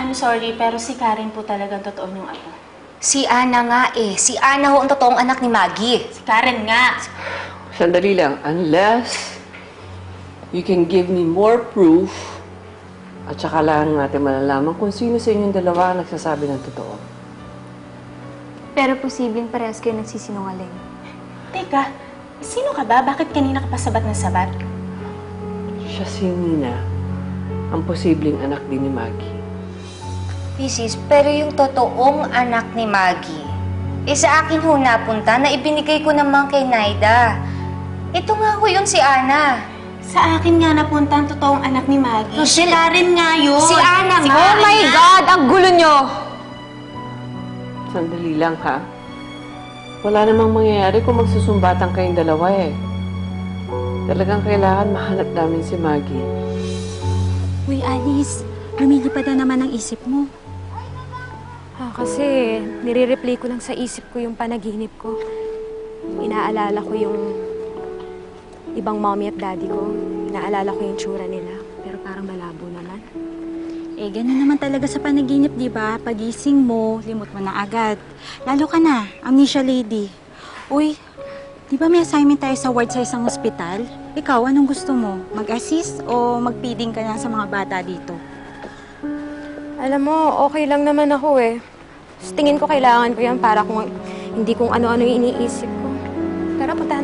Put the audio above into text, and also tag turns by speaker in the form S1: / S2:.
S1: I'm sorry, pero si Karen po talagang totoo niyong apo.
S2: Si Ana nga eh. Si Ana ho ang totoong anak ni Maggie.
S1: Si Karen nga.
S3: Sandali lang. Unless you can give me more proof at saka lang natin malalaman kung sino sa inyong dalawa ang nagsasabi ng totoo.
S4: Pero posibleng parehas kayo nagsisinungaling.
S1: Teka, sino ka ba? Bakit kanina ka pa sabat na sabat?
S3: Siya si Nina, ang posibleng anak din ni Maggie.
S2: Mrs., pero yung totoong anak ni Maggie, sa akin ho napunta na ibinigay ko naman kay Naida. Ito nga ho yun si Ana.
S1: Sa akin nga napunta ang totoong anak ni Maggie. Si
S2: Rochelle,
S1: Karen nga yun.
S2: si Ana
S1: Si
S2: nga.
S1: Karen
S4: Oh my
S1: nga.
S4: God! Ang gulo nyo!
S3: Sandali lang, ha? Wala namang mangyayari kung magsusumbatan kayong dalawa, eh. Talagang kailangan mahanap namin si Maggie.
S5: Uy, Alice, lumilipad na naman ang isip mo.
S4: Kasi nire-replay ko lang sa isip ko yung panaginip ko. Inaalala ko yung ibang mommy at daddy ko. Inaalala ko yung tsura nila. Pero parang malabo naman.
S5: Eh, ganun naman talaga sa panaginip, di ba? Pagising mo, limot mo na agad. Lalo ka na, amnesia lady. Uy, di ba may assignment tayo sa ward sa isang ospital? Ikaw, anong gusto mo? Mag-assist o mag-feeding ka na sa mga bata dito?
S4: Alam mo, okay lang naman ako eh. Tingin ko kailangan ko yan para kung hindi kung ano-ano yung iniisip ko. Tara, punta